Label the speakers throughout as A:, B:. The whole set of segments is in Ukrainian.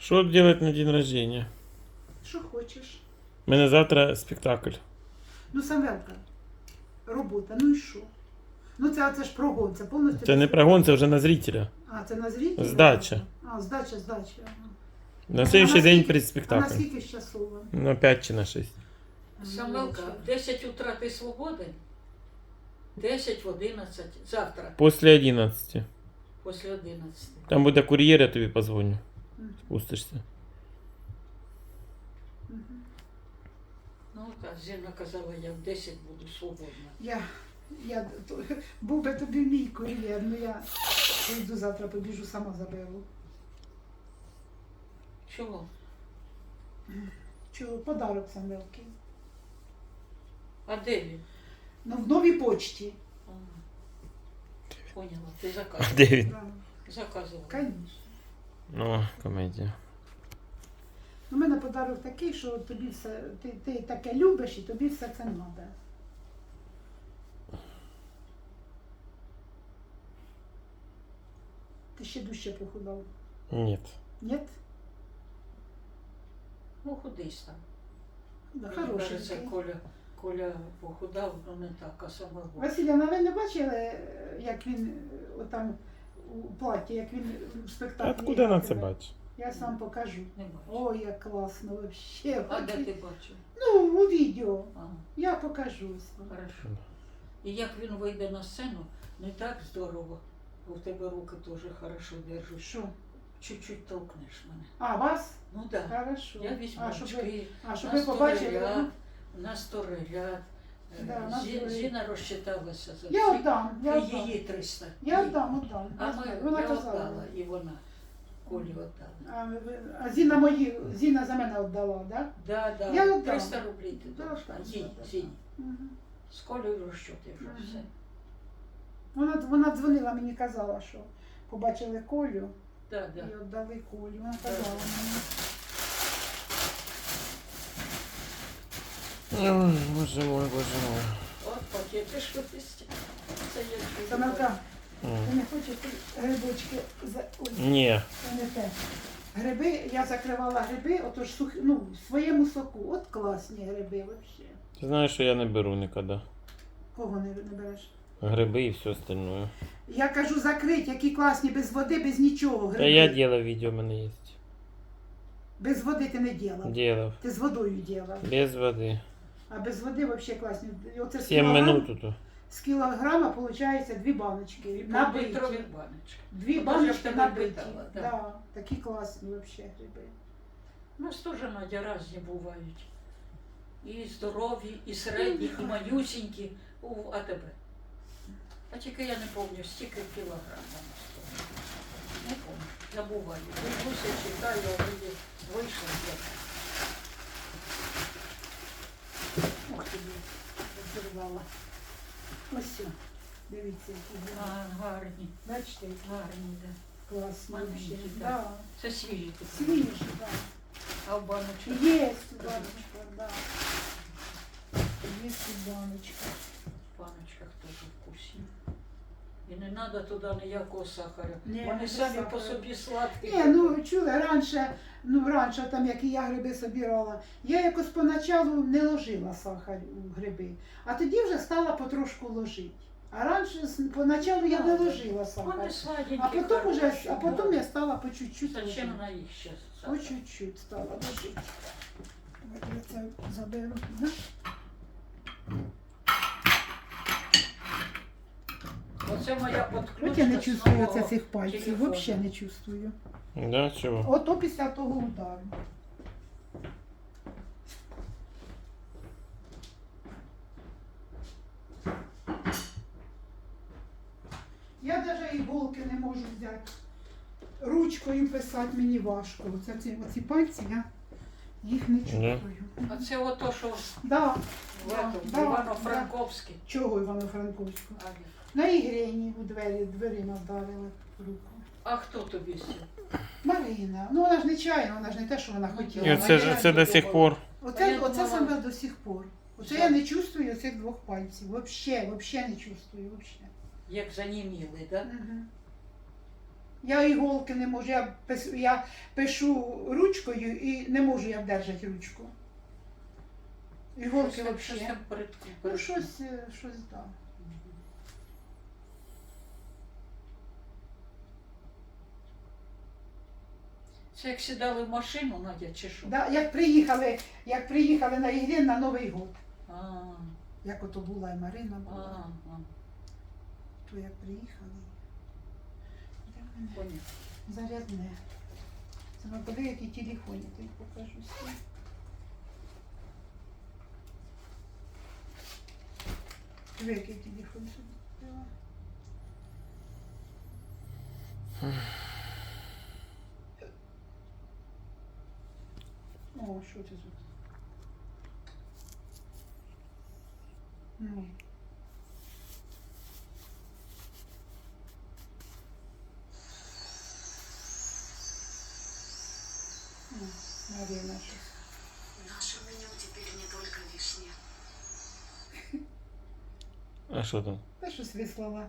A: Що делать на день рождения?
B: Що хочеш.
A: У мене завтра спектакль.
B: Ну, Самвелка, робота, ну і що? Ну це ж прогон, це повністю...
A: Це не прогон, це вже на зрителя.
B: А, це на зрителя?
A: Здача.
B: А, здача. Ага.
A: На следующий день перед
B: А
A: спектаклем.
B: наскільки ж часово?
A: На 5 чи на 6.
C: Самвелка, в 10 утра ти свободен? 10 в 11. Завтра,
A: После 11.
C: після 11.
A: Там буде кур'єр, я тобі позвоню.
B: Мгм.
A: Спустишся.
B: Мгм.
C: Ну, так, Зіна казала, я в 10 буду свободна.
B: Був би тобі мій кур'єр, ну я прийду завтра, побіжу, сама заберу.
C: Чого?
B: Чого? Подарок Самвелки.
C: А де він?
B: Ну, в новій почті.
C: А, поняла, ти
A: А
C: заказувала.
A: де він?
B: Да.
C: Заказувала.
B: Конечно.
A: Ну, комедія.
B: У мене подарок такий, що тобі все, ти таке любиш і тобі все це треба. Ти ще дужче похудав.
A: Ні.
B: Ні?
C: Ну, худись там.
B: Да,
C: Мені кажеться,
B: хороший.
C: Коля похудав, ну не так, а саме.
B: Василя, ви не бачили, як він отам у платі, як він в спектаклі?
A: Откуда на це
B: грає?
A: бачиш?
B: Я сам покажу.
C: Не бачу.
B: Ой, як класно вообще.
C: А де ти бачив?
B: Ну, у відео.
C: Ага,
B: Я покажу.
C: хорошо. І як він вийде на сцену, не так здорово, бо в тебе руки теж хорошо держать.
B: Що?
C: Чуть-чуть толкнеш мене.
B: А, вас?
C: Ну так. Да.
B: Хорошо.
C: Я візьму
B: А, щоб ви,
C: очки,
B: щоб
C: на
B: ви побачили.
C: сториряд, на сториряд.
B: Да, на сториряд.
C: Зіна розчиталася за
B: Я
C: всіх.
B: віддам, я
C: І
B: віддам.
C: її 300.
B: Я
C: Їй.
B: віддам.
C: А ми,
B: Вона
C: я
B: казала.
C: віддала, і вона. Колі віддала.
B: А Зіна за мене віддала, так?
C: Да, да,
B: Я віддам.
C: 300 рублів ти
B: Да,
C: должна.
B: да,
C: Їй,
B: да.
C: Зіні.
B: Мгм.
C: З Колею розчоти вже
B: Мгм.
C: все.
B: Вона дзвонила мені, казала, що побачили Колю
C: Да, да.
B: і віддали Колю. Вона казала мені.
A: Ой, боже мой, боже мой.
C: От пакети ж виписті. Це я чую.
B: Самарка,
A: М.
B: ти не хочеш грибочки? Ой,
A: Ні.
B: це не те. Гриби, я закривала гриби, отож в своєму соку. От класні гриби взагалі.
A: Ти знаєш, що я не беру ніколи.
B: Кого не береш?
A: Гриби і все остальное.
B: Я кажу закрить, які класні, без води, без нічого.
A: Та
B: Гриби.
A: я делав відео, в мене є.
B: Без води ти не ділав.
A: Делав.
B: Ти з водою ділав.
A: Без води.
B: А без води взагалі класні. І оце з
A: 7 минут тут.
B: З кілограма виходить 2 баночки.
C: І
B: Набиті.
C: літрові баночки.
B: 2
C: Ото ж
B: баночки
C: я в тебе
B: набиті.
C: питала, да.
B: Да, такі класні взагалі гриби.
C: У нас теж, Надя, різні бувають. І здорові, і середні, і малюсінькі у АТБ. А тільки я не пам'ятаю, стільки кілограм вона стоїть. Не пам'ятаю, забуваю. Дивлюся, читаю, а вроді вийшло.
B: Ох ти, розірвала. Ось все. Дивіться, які гриби.
C: А, гарні,
B: Бачите, які
C: гарні, да.
B: класні
C: Маленькі,
B: взагалі.
C: да.
B: Да.
C: Це свіжі такі.
B: Свіжі, так.
C: А в баночках?
B: Є баночка, да. Є баночка.
C: В баночках теж вкусні. І не треба туди ніякого сахару.
B: Ні,
C: Вони
B: без
C: самі
B: сахару.
C: по собі сладкі.
B: Ні, ну чули, раніше, там, як і я гриби собирала, я якось поначалу не ложила сахар у гриби, а тоді вже стала потрошку ложити. А раніше, поначалу я не ложила сахар.
C: Вони сладенькі,
B: А потім я стала по чуть-чуть
C: Зачем
B: ложити.
C: на їх зараз?
B: По чуть-чуть стала ложити. Давайте я це заберу. Да?
C: Оце моя подключка.
B: От я не
C: з
B: чувствую
C: нового
B: оце цих пальців,
C: телефону.
B: взагалі не чувствую.
A: Да, чого?
B: Ото після того удару. Я навіть іголки не можу взяти. Ручкою писати мені важко. Оці пальці я їх не чувствую.
C: А це ото, що
B: Да.
C: в
B: Да,
C: Івано-Франковській.
B: Чого Івано-Франковську?
C: А,
B: На ігрені у дверима вдарили руку.
C: а хто тобі сів?
B: Марина. Ну вона ж не чайна, вона ж не те, що вона хотіла.
A: І оце ж це до сих пор.
C: А я
B: Оце
C: думала-
B: саме до сих пор. Оце я не чувствую цих 2 пальців. Вообще не чувствую. Вообще.
C: Як заніміли, так? Да?
B: Угу. Я іголки не можу, я пишу ручкою і не можу я вдержати ручку. Іголки
C: Щось
B: взагалі.
C: там перед.
B: Ну, щось так.
C: Це як сідали в машину, Надя, чи що?
B: Да, як приїхали на Ігрін на Новий год.
C: А,
B: Як ото була і Марина
C: а,
B: була,
C: а,
B: то як приїхали. Де в мене?
C: понятно.
B: Зарядне. Це ми подивимо, які телефони, ти покажу всі. Диви, який телефон собі купила. О, що це тут? Ну. Марина щось.
D: Наше меню теперь не только вишня.
A: А що там?
B: Та щось вислала.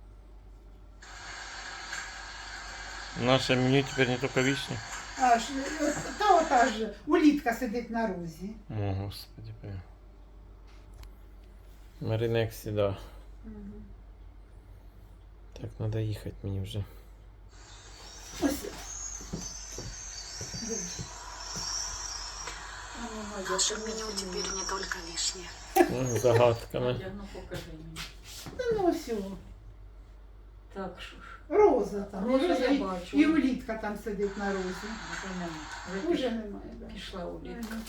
A: Наше меню тепер не тільки вишня.
B: Та ота ж улітка сидить на розі.
A: О, господи, прям. Марина, як завжди. Так, треба їхати мені вже.
B: Ось. Дивись.
C: А ну, Надя,
D: Наше
C: ти
D: меню
C: ось
D: теперь не только вишня.
A: Загадками.
C: Надя, ну покажи мені.
B: Ну ось його.
C: Так, що ж.
B: Роза там.
C: Роза я
B: і,
C: бачу.
B: і улітка там сидить на розі.
C: Вже нема. Вже
B: Уже немає. Да.
C: пішла улітка.
B: Ага.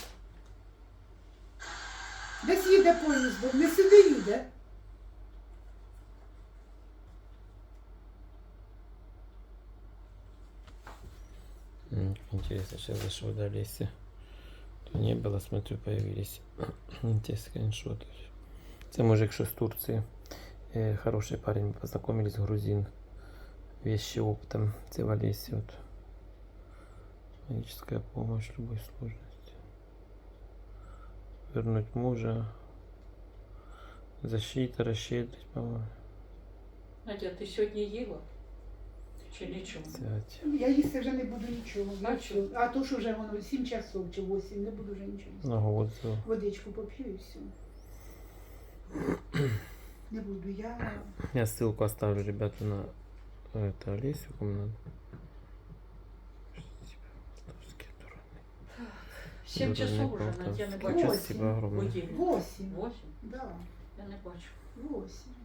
B: Десь їде поїздом, не сюди їде.
A: Интересно, сейчас зашел до Олеси. То не было, смотрю, появились те скриншоты. Це мужик, що з Турції. Хороший парень, познакомились, грузин. Вещи оптом. Це в Олесі. Вот. Магическая помощь в любой сложности. Вернуть мужа. Защита, расщедрить, по-моему.
C: Надя, ти сьогодні їла? Чи нічого?
A: Взять.
B: Я їсти вже не буду нічого.
C: А чого?
B: А то, що вже воно 7 часов чи 8, не буду вже нічого їсти.
A: Ногу вот взял.
B: Водичку поп'ю і все. Не буду я.
A: Я ссылку оставлю, ребята, на это Олесю, кому надо. Полтавский, дурак.
C: 7 часов уже,
A: Полтавский.
C: Надя, я не
B: Ось.
C: бачу.
A: Спасибо огромное.
C: Будильник.
B: 8.
C: 8?
B: Да,
C: Я не бачу.
B: 8.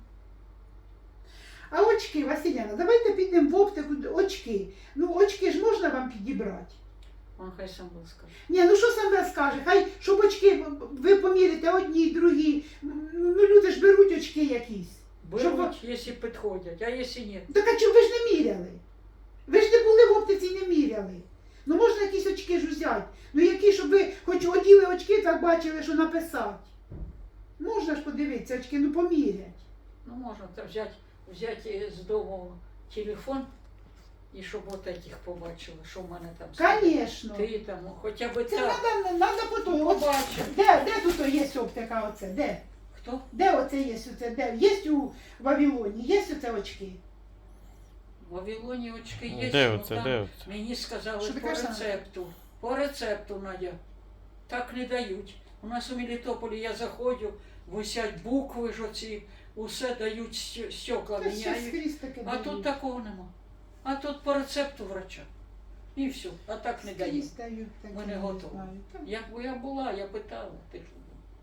B: А очки, Василяна, давайте підемо в оптику. Очки. Ну, очки ж можна вам підібрати.
C: Он хай сам розкаже.
B: Ні, ну що саме скаже? Хай, щоб очки ви поміряєте одні, другі. Ну, люди ж беруть очки якісь. Щоб ви-
C: Беруть, якщо підходять, а якщо ні.
B: Так а чого ви ж не міряли? Ви ж не були в оптиці і не міряли. Ну можна якісь очки ж взяти. Ну які, щоб ви хоч оділи очки, так бачили, що написати. Можна ж подивитися очки, ну помірять.
C: Ну можна так взяти з дому телефон і щоб от этих побачили, що в мене там.
B: Звісно.
C: Ти там, хоча б
B: Це
C: так.
B: треба потім. От,
C: Побачив.
B: де тут є оптика оце? Де?
C: Хто?
B: Де оце є оце? Де? Є у Вавилоні? Є оце очки?
C: В Вавилоні очки є.
A: Де
C: ну,
A: оце,
C: там
A: де оце?
C: Мені сказали
B: Що ти
C: по
B: кажеш,
C: рецепту. По рецепту, Надя. Так не дають. У нас у Мелітополі я заходжу, висять букви ж оці, усе дають, стекла
B: Та ще
C: міняють.
B: скрізь таке
C: А
B: дають.
C: тут такого нема. А тут по рецепту врача. І все. А так не дають.
B: Скрізь дають таке,
C: Ми не
B: не
C: готові.
B: знаю. Та
C: Якби я була, я питала, ти ж.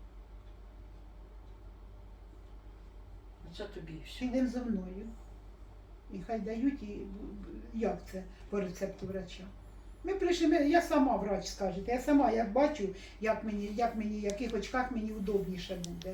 C: Це тобі і все.
B: Підемо зо мною. І хай дають, і як це по рецепту врача. Ми прийшли, я сама врач скажете, я сама як бачу, як мені, в яких очках мені удобніше буде.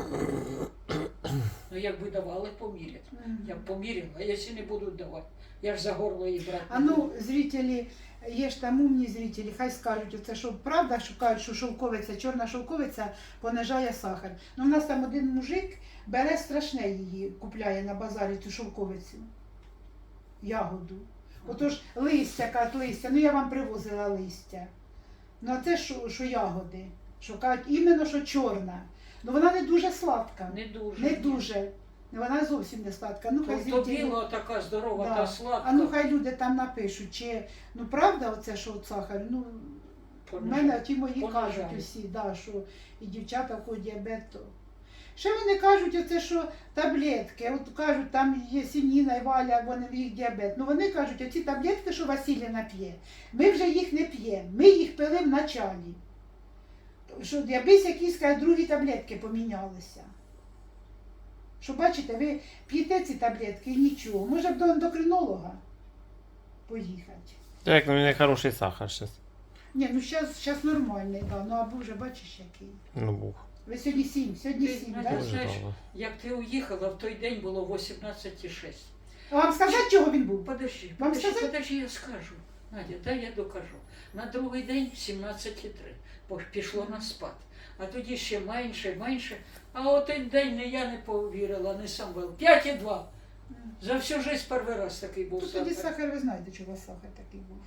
C: Ну якби давали, помірять. Я б поміряла, а якщо не будуть давати, я ж за горло її брати.
B: А
C: не
B: ну,
C: буду.
B: зрителі, є ж там умні зрителі, хай скажуть, оце що правда, що кажуть, що шовковиця, чорна шовковиця понижає сахар. Ну, у нас там один мужик бере страшне її, купляє на базарі цю шовковицю, ягоду. Отож листя, кажуть, листя, ну я вам привозила листя. Ну а це що ягоди, що кажуть, іменно що чорна. Ну вона не дуже сладка.
C: Не дуже.
B: Не дуже. Вона зовсім не сладка. Ну, хай
C: То
B: зрителі-
C: біла така здорова,
B: Да.
C: та сладка.
B: А ну хай люди там напишуть, чи ну правда оце, що от сахар? Ну, в
C: Понижає.
B: мене ті мої
C: Понижає.
B: кажуть усі, да, що і дівчата в кого діабет. То. Ще вони кажуть, оце, що таблетки, от кажуть, там є Сініна і Валя, вони в їх діабет. Ну вони кажуть, оці таблетки, що Василіна п'є, ми вже їх не п'ємо, ми їх пили в началі. Що якісь якісь кажуть, другі таблетки помінялися. Що бачите, ви п'єте ці таблетки і нічого. Може б до ендокринолога поїхати.
A: Так, у мене хороший сахар зараз.
B: Ні, ну зараз нормальний, да. Ну або вже бачиш який.
A: Ну, був.
B: Ви сьогодні 7, сьогодні
C: Ти
B: 7,
C: знаєш,
B: так?
A: Дуже
C: знаєш,
A: мало.
C: як ти уїхала, в той день було 18,6.
B: А вам сказати, чого він був?
C: Подожди,
B: Вам
C: подожди,
B: сказати?
C: подожди, я скажу. Надя, дай я докажу. На другий день 17,3, бо пішло на спад. А тоді ще менше, менше. А от той день не я не повірила, не Самвел. 5,2. За всю життя перший раз такий був
B: Ну, тоді
C: сахар.
B: сахар, ви знаєте, чого сахар такий був.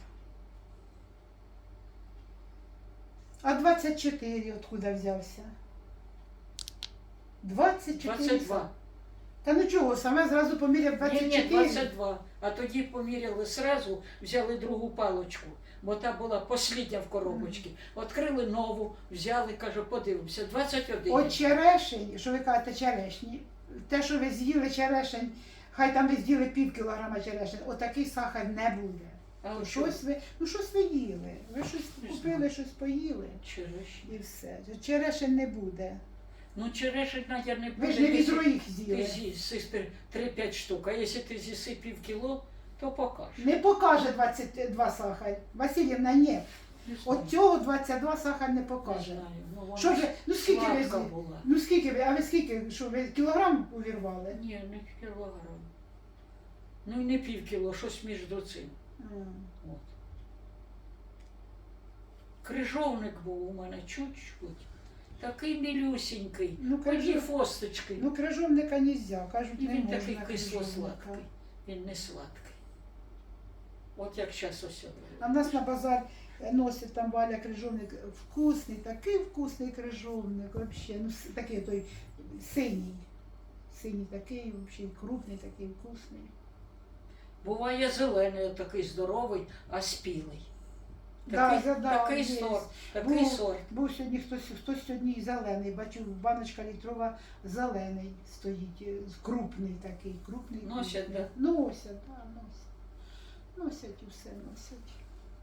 B: А 24 откуда взявся? 24.
C: 22.
B: Та ну чого, саме зразу поміряв
C: Ні,
B: 24.
C: ні, 22. А тоді поміряли сразу, взяли другу палочку, бо та була послідня в коробочці. Відкрили нову, взяли, кажу, подивимося, 21.
B: От черешень, що ви кажете, черешні, те, що ви з'їли черешень, хай там ви з'їли пів кілограма черешень, отакий сахар не буде.
C: А от
B: Щось ви їли, ви щось
C: Не
B: купили,
C: знаю.
B: щось поїли
C: черешні.
B: і все. Черешень не буде.
C: Ну, черешень, Надя, не буде.
B: Ви ж не
C: якщо
B: відро їх
C: Ти
B: з'їли.
C: з'їси 3-5 штук, а якщо ти з'їси пів кіло, то покажеш.
B: Не покаже 22 сахар. Васильівна, ні.
C: Не знаю,
B: От цього 22 сахар не
C: не
B: покаже.
C: знаю. Ну, вона
B: Що ви, ну скільки ви
C: сладка
B: з'їли?
C: була.
B: Ну скільки ви, а ви скільки, що ви кілограм увірвали?
C: Ні, не кілограм. Ну і не пів кіло, щось між цим. От. Крижовник був у мене чуть-чуть. Такий мілюсінький,
B: Ну,
C: одні
B: крижов-
C: фосточки.
B: Ну крижовника нельзя, кажуть,
C: І
B: не
C: він
B: можна
C: такий
B: крижовника.
C: кисло-сладкий. Він не сладкий. От як зараз ось.
B: А в нас на базар носить там Валя крижовник вкусний, такий вкусний крижовник, вообще, ну такий той синій. Синій такий, вообще крупний, такий вкусний.
C: Буває зелений, такий здоровий, а спілий.
B: Да,
C: Такий, такий
B: є.
C: сорт, такий сорт.
B: Був сьогодні хтось сьогодні зелений, бачу, баночка літрова зелений стоїть, крупний такий, крупний.
C: Носять,
B: крупний.
C: да?
B: Носять, да, носять. Носять і все носять.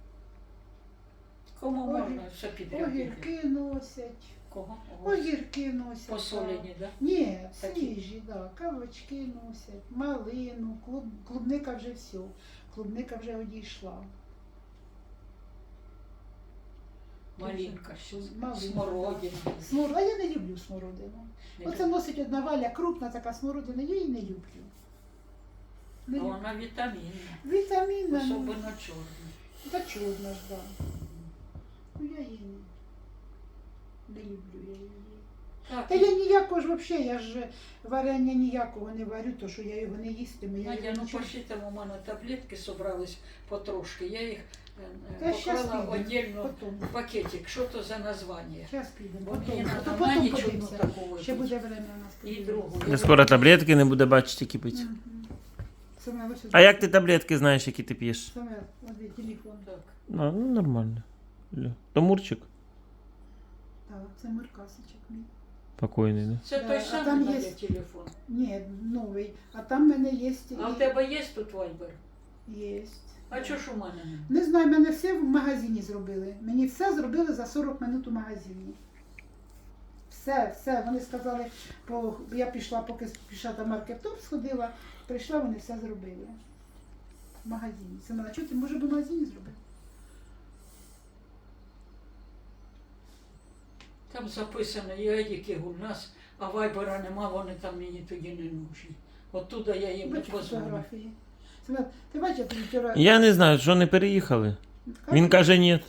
C: Кому
B: Огір-
C: можна все підряд?
B: Огірки носять.
C: Кого?
B: Огірки носять.
C: Посолені, да?
B: Ні,
C: Такі.
B: свіжі, да. Кавочки носять, малину, клубника вже все. Клубника вже одійшла.
C: Малинка ще.
B: Малинка,
C: Смородина.
B: А я не люблю смородину.
C: Не
B: Оце
C: люблю.
B: носить одна Валя, крупна така смородина, я її не люблю. Не
C: А
B: люблю.
C: вона вітамінна.
B: Вітамінна, ну,
C: Особливо чорна.
B: та чорна ж, да. Ну я її не люблю я її.
C: Так,
B: Та я ніякого ж взагалі, я ж варення ніякого не варю, то що я його не їстиму. Я
C: Надя,
B: його
C: ну
B: нічого-
C: пошли там у мене таблетки собрались потрошки. Я їх
B: Та щас
C: поклала
B: підемо,
C: отдельно
B: потім.
C: в пакетик. Що то за названня?
B: Зараз підемо,
C: Бо мені
B: потім.
C: треба
B: То
C: на
B: потім
C: ніч одну
B: подивимося.
C: таку
B: Ще
C: випити.
B: буде время у нас.
C: І
B: подивимося.
C: другу.
A: Я скоро таблетки не буде бачити кипить.
B: Мгм. Саме ось
A: А як ти таблетки знаєш, які ти п'єш?
B: Саме, ось телефон.
C: Так.
A: Ну нормально. То Мурчик
B: Так, це Миркасичок мій.
A: покойний, да?
C: Це
B: Да,
C: той
B: а
C: самий
B: там
C: Надя
B: є-
C: телефон.
B: Ні, новий. А там в мене є.
C: А у тебе є тут вайбер?
B: Є.
C: А чого ж у мене немає?
B: Не знаю, мене все в магазині зробили. Мені все зробили за 40 минут у магазині. Все. Вони сказали, я пішла, поки пішла там маркетом, сходила, прийшла, вони все зробили. В магазині. Це мене, чого ти може в магазині зробити?
C: Там записано Єдіки у нас, а вайбера нема, вони там мені тоді не нужні. Оттуда я їм не
B: Бачу
C: позвоню.
B: фотографії. Семен, ти бачиш, я тобі вчора...
A: Я не знаю, що не переїхали. Він каже, ні.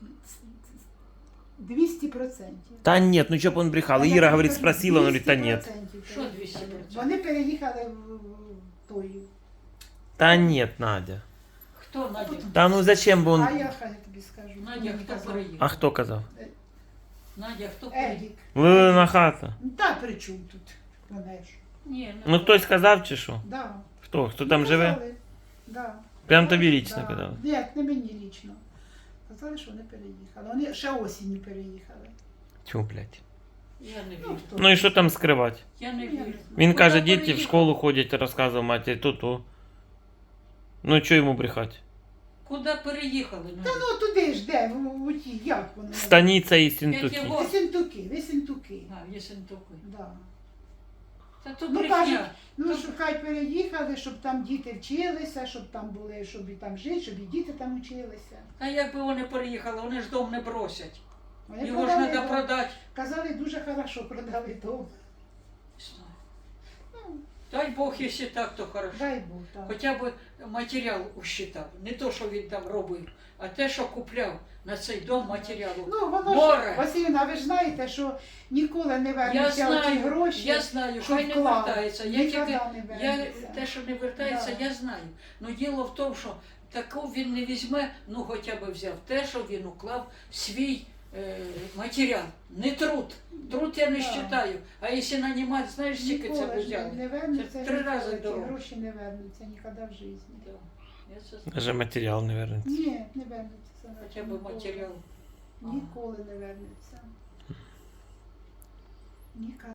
B: 200%.
A: Та ні, ну чого б він брехав? Іра говорить, спросила, він говорить, та ні.
B: 200%.
C: Що 200%?
B: Вони переїхали в тою.
A: Та ні, Надя.
C: Хто Надя?
A: Та ну зачем би
B: А
A: він...
B: я хай тобі скажу.
C: Надя,
B: Мені
C: хто
B: казав.
C: переїхав?
A: А хто казав?
C: Надя, хто переїхав?
B: Едік.
A: Лилина хата.
B: Ну, та при чому тут? Вона ж.
C: Ні, не
A: Ну хтось сказав чи що?
B: Да.
A: Хто там живе?
B: Казали, Да.
A: Прям
B: Казали,
A: тобі лічно
B: да.
A: казали?
B: Ні, не мені лічно. Казали, що вони переїхали. Вони ще осінню переїхали.
A: Тьфу, блядь.
C: Я не
B: Ну,
C: вірю.
B: хто?
A: Ну і що там скривати?
C: Я не
B: Я не
C: вірю.
B: знаю.
A: Він
C: Куди
A: каже, діти в
C: переїхав?
A: школу ходять, розказував матері, то. Ну чого йому брехати?
C: Куди переїхали?
B: Та ну туди ж де, у ті, як воно?
A: Станіця і Сінтуки.
C: Яке
B: Висентуки.
C: А, Єсентуки.
B: Да.
C: Та то
B: Ну,
C: брехня.
B: кажуть, ну, що хай переїхали, щоб там діти вчилися, щоб там були, щоб і там жити, щоб і діти там вчилися.
C: А якби вони переїхали, вони ж дом не бросять.
B: Вони
C: Його ж
B: продали
C: треба
B: дом.
C: продати.
B: Казали, дуже хорошо продали дом.
C: Не знаю.
B: Ну,
C: Дай Бог, якщо так, то хорошо.
B: дай Бог, так.
C: Хоча б матеріал усчитав. Не то, що він там робив, а те, що купляв на цей дом матеріалу.
B: Ну, воно
C: Море.
B: ж, Василіна, ви ж знаєте, що ніколи не
C: Я
B: вернуться ті
C: знаю,
B: гроші.
C: я знаю,
B: що
C: хай не
B: вклав.
C: вертається. Я
B: Ніколи
C: тільки,
B: не
C: я,
B: вернеться.
C: те, що не вертається,
B: Да.
C: я знаю. Ну діло в тому, що таку він не візьме, ну хоча б взяв те, що він уклав свій матеріал. Не труд. Труд я не
B: Да.
C: вважаю. А якщо нанімати, знаєш, скільки це
B: Ніколи ж
C: взяли?
B: не вернуться.
C: Це 3
B: ніколи
C: рази
B: ті
C: дорого.
B: гроші не вернуться ніколи в житті.
C: Да. Я це знаю.
A: Даже матеріал не вернеться.
B: Ні, не вернуться. це
C: Хоча б
B: ніколи.
C: матеріал.
B: Ніколи не вернуться. Ніколи.